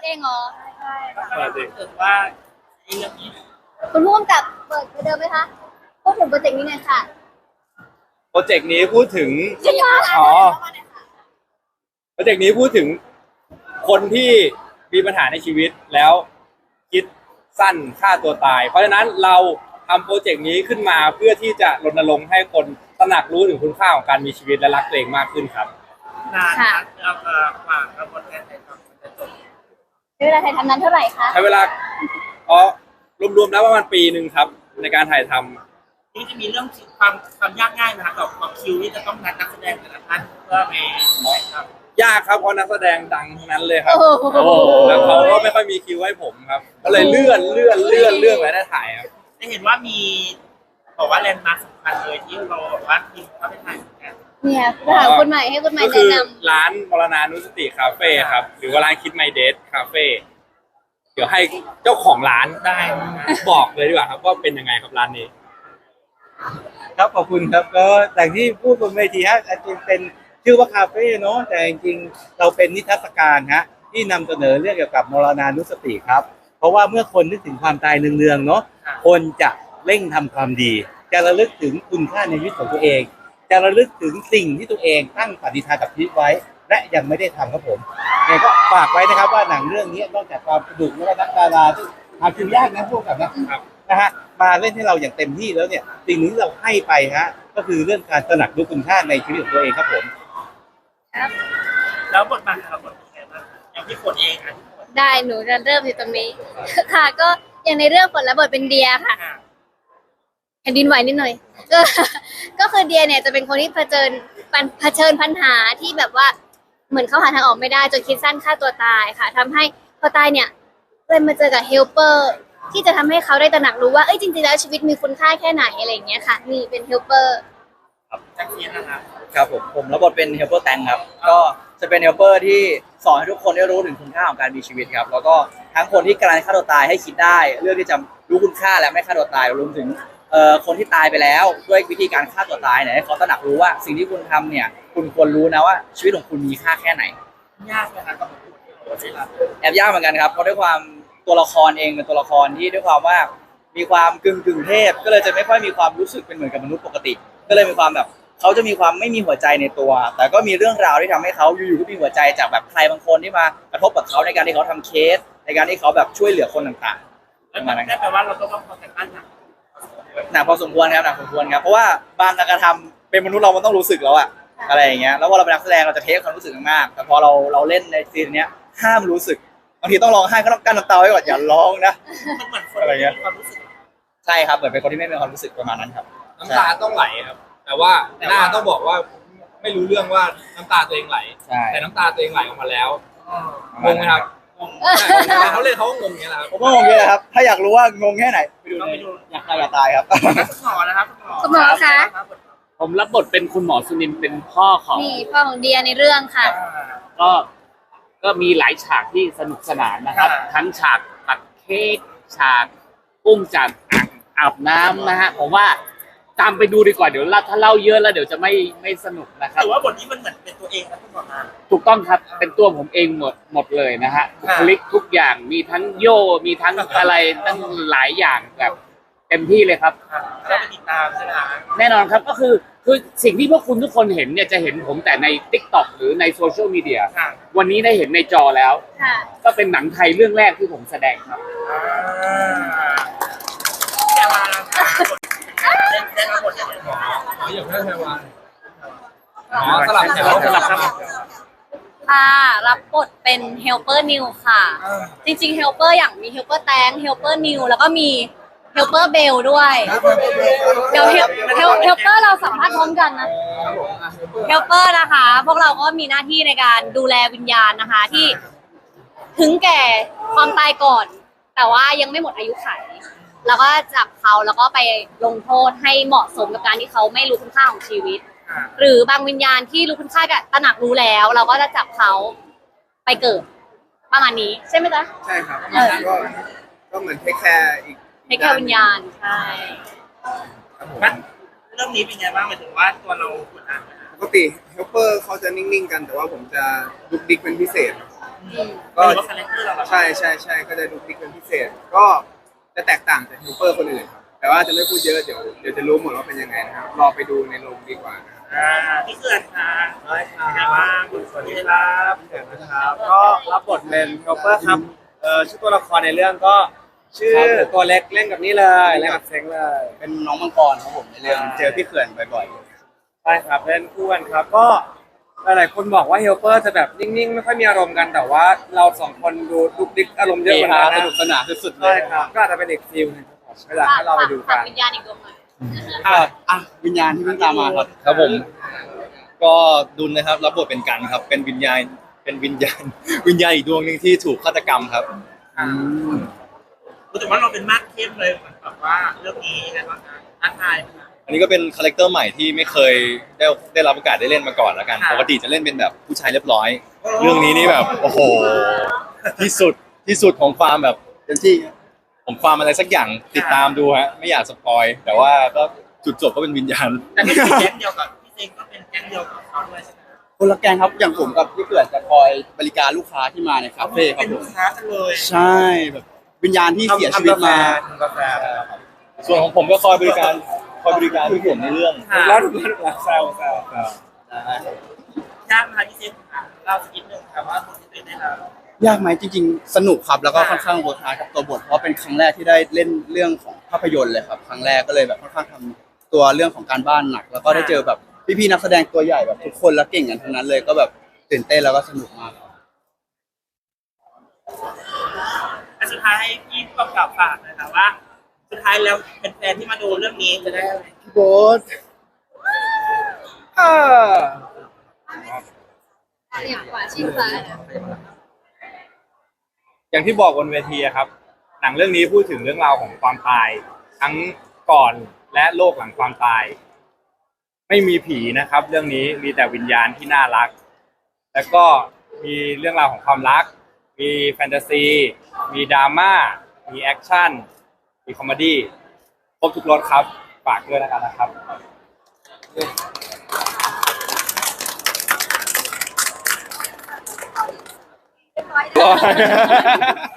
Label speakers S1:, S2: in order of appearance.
S1: เองเหรอ
S2: ใช่
S3: เปิดดิ
S2: เกิดว่าไอ้เรื่องนี้
S1: คุณผู้กำกับเปิดเดิมไหมคะพูดถึงโปรเจกต์นี้หน่อยค่ะ
S3: โปรเจกต์นี้พูดถึง
S1: ใช่ค่ะ
S3: อ๋อ โปรเจกต์นี้พูดถึงคนที่มีปัญหาในชีวิตแล้วคิดสั้นฆ่าตัวตาย เพราะฉะนั้นเราทำโปรเจกต์นี้ขึ้นมาเพื่อที่จะรณรงค์ให้คนตระหนักรู้ถึงคุณค่าของการมีชีวิตและรักตัวเองมากขึ้นครับ
S2: นานนะเราฝากกระบวนการถ่ายทำมันจะจบ
S1: ใช้เวลาถ่ายทำนั้นเท่าไหร่คะ
S3: ใช้เวลาอ๋อรวมๆแล้วประมาณปีหนึ่งครับในการถ่ายทำ
S2: นี่จะมีเรื่องความยากง่ายนะคะกับความคิวที่จะต้องนักแสดงแต่ละท่านเพื่อไปถ่ายทำ
S3: ยากครับเพราะนักแสดงดังทั้งนั้นเลยครับ
S1: โอ้โห
S3: แล้วเขาก็ไม่ค่อยมีคิวให้ผมครับ ก็เลยเลื่อนไว้ได้ถ่ายครับ
S2: ได้เห็นว่ามีบอกว่าแลนด์มาร์คสำคัญเลยที่เราบอกว่าทีมเขาไปถ่ายเหมือนกัน
S1: เนี่ยไปถามคนใหม่ให้คนใหม่
S3: ก็คื
S1: แนะ
S3: อน ร้านมรณานุสติคาเฟ่ครับหรือว่าร้านคิดไมเดทคาเฟ่เดี๋ยวให้เจ้าของร้าน
S2: ได้
S3: บอกเลยดีกว่าครับว่าเป็นยังไงครับร้านนี้
S4: ครับขอบคุณครับก็อย่างที่พูดบนเวทีฮะจริงเป็นชื่อว่าคาเฟ่เนาะแต่จริงๆเราเป็นนิทรรศการฮะที่นำเสนอเรื่องเกี่ยวกับมรณานุสติครับ เพราะว่าเมื่อคนนึกถึงความตายเนืองๆเนาะคนจะเร่งทำความดี จะระลึกถึงคุณค่าในชีวิตของตัวเอง จะระลึกถึงสิ่งที่ตัวเองตั้งปณิธานกับชีวิตไว้ และยังไม่ได้ทำครับผมไงก็ฝากไว้นะครับว่าหนังเรื่องนี้นอกจากความสนุกแล้วก็นักดาราที่หาคิวยากนะพวกกับนะครับ นะฮะมาเล่นให้เราอย่างเต็มที่แล้วเนี่ยสิ่งหนึ่งที่เราให้ไปฮะก็คือเรื่องการตระหนักรู้คุณค่าในชีวิตของตัวเองครับผม
S2: แล้วบทบาทของเราบทเป็นไงบ้างอย่างที่คนเองอ่ะ
S1: ได้หนูจะเริ่มที่ตรงนี้ ค่ะก็อย่างในเรื่องฝนและบทเป็นเดียค่ะแผ่นดินไหวนิดหน่อย ก็คือเดียเนี่ยจะเป็นคนที่เผชิญปัญหาที่แบบว่าเหมือนเขาหาทางออกไม่ได้จนคิดสั้นฆ่าตัวตายค่ะทำให้พอตายเนี่ยเลยมาเจอกับเฮลเปอร์ที่จะทำให้เขาได้ตระหนักรู้ว่าเอ้ยจริงๆแล้วชีวิตมีคุณค่าแค่ไหนอะไรอย่างเงี้ยค่ะนี่เป็นเฮลเปอร์
S2: จากเซียนนะครับ
S5: ครับผมรับบทเป็นเฮลเปอร์แตงครับก็จะเป็นเฮลเปอร์ที่สอนให้ทุกคนได้รู้ถึงคุณค่าของการมีชีวิตครับแล้วก็ทั้งคนที่กำลังฆ่าตัวตายให้คิดได้เรื่องที่จะรู้คุณค่าและไม่ฆ่าตัวตายรวมถึงคนที่ตายไปแล้วด้วยวิธีการฆ่าตัวตายเนี่ยให้เขาตระหนักรู้ว่าสิ่งที่คุณทำเนี่ยคุณควรรู้นะว่าชีวิตของคุณมีค่าแค่ไหน
S2: ยากไหมครับกับบทที่เราได้รับ
S5: แอบยากเหมือนกันครับเพราะด้วยความตัวละครเองเป็นตัวละครที่ด้วยความว่ามีความกึ่งเทพก็เลยจะไม่ค่อยมีความรู้สึกเป็นเหมือนกับมนุษย์ปกติ ก็เลยมีความแบบเขาจะมีความไม่มีหัวใจในตัว แต่ก็มีเรื่องราวที่ทำให้เขาอยู่ๆก็มีหัวใจจากแบบใครบางคนที่มากระทบกับเขาในการที่เขาทำเคสในการที่เขาแบบช่วยเหลือคนต่างๆ
S2: แล้ว
S5: ประ
S2: มั
S5: มาณ
S2: น
S5: นั้นค
S2: ได้
S5: รับ
S2: แปลว่าเราก็ต้องคอยกันบ้านหนัก
S5: หนักพอสมควรครับหนักพอสมควรครับเพราะว่าบางการกระทำเป็นมนุษย์เรามันต้องรู้สึกแล้วอะอะไรอย่างเงี้ยแล้วพอเราเป็นนักแสดงเราจะเทคความรู้สึกมากแต่พอเราเล่นในซีนเนี้ยห้ามรู้สึกบางทีต้องร้องไห้ก็ต้องกั้นน้ำตาไว้ก่อนอย่าร้องนะ
S2: มันเหมือนคนไม่มีความรู้สึก
S5: ใช่ครับเหมือนเป็นคนที่ไม่มีความรู้สึกประมาณนั้นครับ
S3: น้ำตาต้องไหลครับ แต่ว่าหน้าต้องบอกว่าไม่รู้เรื่องว่าน้ำตาตัวเองไหล
S5: ใช่
S3: แต่น้ำตาตัวเองไหลออกมาแล้ว
S5: ประ
S3: ง
S5: มาณ
S3: งไหม
S5: นั้น
S3: ครับใช่เขาเล่นเขาก็งงอย่างเงี้ยแหละครับ
S5: ผมก็งงเลยนะครับ ถ้าอยากรู้ว่างงแค่ไหนไปดู
S2: ต้อง
S5: ใน
S2: ไปดู
S5: อยากตายอยากตายครับ
S2: คุณหมอนะครับ
S1: คุณหมอคะ
S6: ผมรับบทเป็นคุณหมอสุนินท์เป็นพ่อของ
S1: นี่พ่อของเดียในเรื่องค่ะ
S6: ก็ก็มีหลายฉากที่สนุกสนานนะครับ ทั้งฉากตัดเค้กฉากอุ้มจากอ่างอาบน้ำนะฮะผมว่าตามไปดูดีกว่าเดี๋ยวถ้าเล่าเยอะแล้วเดี๋ยวจะไม่สนุกนะครับ
S2: แต่ว่าบทนี้มันเหมือนเป็นตัวเองนะคุณหมอมา
S6: ถูกต้องครับเป็นตัวผมเองหมดเลยนะฮะบุคลิกทุกอย่างมีทั้งโยมีทั้งอะไรตั้งหลายอย่างแบบเต็มที่เลยครับ
S2: ก็ไปติดตามใช่ไหมครับ
S6: แน่นอนครับก็คือสิ่งที่พวกคุณทุกคนเห็นเนี่ยจะเห็นผมแต่ใน TikTok หรือในโซเชียลมีเดีย
S2: ค่ะ
S6: วันนี้ได้เห็นในจอแล้ว
S1: ค่ะ
S6: ก็เป็นหนังไทยเรื่องแรกที่ผมแสดงครับ
S2: แต่ว่าได้รับบทอย่างไรหมอ
S3: อย่างนั้นไทวานอ๋อสลับแถว
S6: สลับครับ
S7: ค่ะรับบทเป็นเฮลเปอร์นิวค่ะ จริงๆเฮลเปอร์อย่างมีเฮลเปอร์แตงเฮลเปอร์นิวแล้วก็มีเฮลเปอร์เบลด้วยเดี๋ยวเฮลเปอร์เราสัมภาษณ์พร้อมกันนะเฮลเปอร์นะคะ พวกเราก็มีหน้าที่ในการดูแลวิญญาณนะคะที่ถึงแก่ความตายก่อน แต่ว่ายังไม่หมดอายุขัยแล้วก็จับเขาแล้วก็ไปลงโทษให้เหมาะสมกับการที่เขาไม่รู้คุณค่าของชีวิต หรือบางวิญญาณที่รู้คุณค่ากับตระหนักรู้แล้ว เราก็จะจับเขาไปเกิดประมาณนี้ใช่ไหมจ๊ะ
S8: ใช่ครับก็เหมือนเทคแคร์อีก
S7: ให้แค่วิญญาณใช่
S8: ครับผม
S2: เรื่องนี้เป็นไงบ้างหมายถึงว่าตัวเรากดดันไหม
S8: ปกติเฮลเปอร์เขาจะนิ่งๆกัน แต่ว่าผมจะดุกดิกเป็นพิเศษก็
S2: หรือว่าคาแรคเตอร์เราแบบ
S8: ใช่ก็จะดูพลิกเป็นพิเศษ ก็จะแตกต่างจากฮิวเปอร์คนอื่นครับแต่ว่าจะไม่พูดเยอะเดี๋ยวจะรู้หมดว่าเป็นยังไงนะครับรอไปดูในโรงดีกว่านะครับ
S2: พี่เขื่อนค่ะ
S9: ได้ค
S2: เป็นไง
S9: รับ
S2: บ้างสวัสดีครับ
S9: เดี๋ยวนะครับ ก็รับบทเป็นโรเปอร์ครับชื่อตัวละครในเรื่องก็ชื่อตัวเล็กเล่นกับนี่เลยเล่นกับเซ็งเลย
S5: เป็นน้องมังกรครับผมในเรื่องเจอพี่เขื่อนบ่อย
S9: ใช่ครับเล่นคู่กันครับก็หลายๆคนบอกว่าเฮลเปอร์จะแบบนิ่งๆไม่ค่อยมีอารมณ์กันแต่ว่าเราสองคนดูดุกดิกอารมณ์
S5: ๆ
S9: เยอะกว่านั้น
S5: ส
S9: นะ
S5: นุกสนานสุดๆเล
S9: ใช่
S5: ย
S9: ครับก็อาจจะเป็นอีกฟิลหนึงครับผมก็อยากให้เราไปดูกัน
S7: วิญญาณอีกดวงหน่อย
S5: วิญญาณที่เพิ่งตามมาครับ
S10: ครับผมก็ดุลนะครับรับบทเป็นกันครับ เป็นวิญญาณวิญญาณอีกดวงหนึ่งที่ถูกฆาตกรรมครับ
S2: รู้สึกว่าเราเป็นมากเข้มเลยเหมือนแบบว่าเรื่องนี้ยังไงบ้างคะท้าทายไหมคะ
S10: อันนี้ก็เป็นคาแรคเตอร์ใหม่ที่ไม่เคยได้รับโอกาสได้เล่นมาก่อนแล้วกัน
S2: ค่ะ
S10: ปกติจะเล่นเป็นแบบผู้ชายเรียบร้อย เรื่องนี้นี่แบบโอ้โหที่สุดของความแบบเต็มที่ผมความอะไรสักอย่างติดตามดูฮะไม่อยากสปอยแต่ว่าก็จุดจบก็เป็นวิญญาณ
S2: แต่นี่เป็นแก๊งเดียวกับพี่เซงก็เป็นแก๊งเดียวกับเขาด้วยใช่ไหม
S5: คนละแกงครับอย่างผมกับพี่เขื่อนจะคอยบริการลูกค้าที่มาในคาเฟ่ครั
S2: เป็
S5: บ
S2: น
S5: ผ
S2: ลู
S5: ม
S2: กค้ากันเลย
S5: ใช่แบบวิญญาณที่เสียชีวิตมา
S9: ทำกาแฟ
S10: ส่วนของผมก็คอยบริการพี่ผมในเรื่อง
S2: ค่ะ
S9: แล้วแซวย
S2: ากไหมคะพี่เซงค่ะเราสักนิดนึงค่ะว่าคนที่เป็นได้เรา
S5: ยากไหมจริงๆ สนุกครับแล้วก็ค่อนข้างเวิร์คฮาร์ดกับตัวบทเพราะเป็นครั้งแรกที่ได้เล่นเรื่องของภาพยนตร์เลยครับครั้งแรกก็เลยแบบค่อนข้างทำตัวเรื่องของการบ้านหนัก แล้วก็ได้เจอแบบพี่ๆนักแสดงตัวใหญ่แบบทุกคนแล้วเก่งกันทั้งนั้นเลยก็แบบตื่นเต้นแล้วก็สนุกมากครับ
S2: อันสุดท้ายให้พี่ผู้กำกับฝากหนะคะว่า สุดท้ายแล้วแฟนๆที่มาดูเรื่องนี้จะได้อะไร
S5: พี่โบ๊ท
S1: อย่างกว่าชิงฟ้านะ
S3: อย่างที่บอกบนเวทีอะครับ หนังเรื่องนี้พูดถึงเรื่องราวของความตาย ทั้งก่อนและโลกหลังความตาย ไม่มีผีนะครับ เรื่องนี้มีแต่วิญญาณที่น่ารัก แล้วก็มีเรื่องราวของความรัก มีแฟนตาซี มีดราม่า มีแอคชั่น มีคอมเมดี้ครบทุกรสครับฝากด้วยนะครับ
S1: เรียบร้อยแล้ว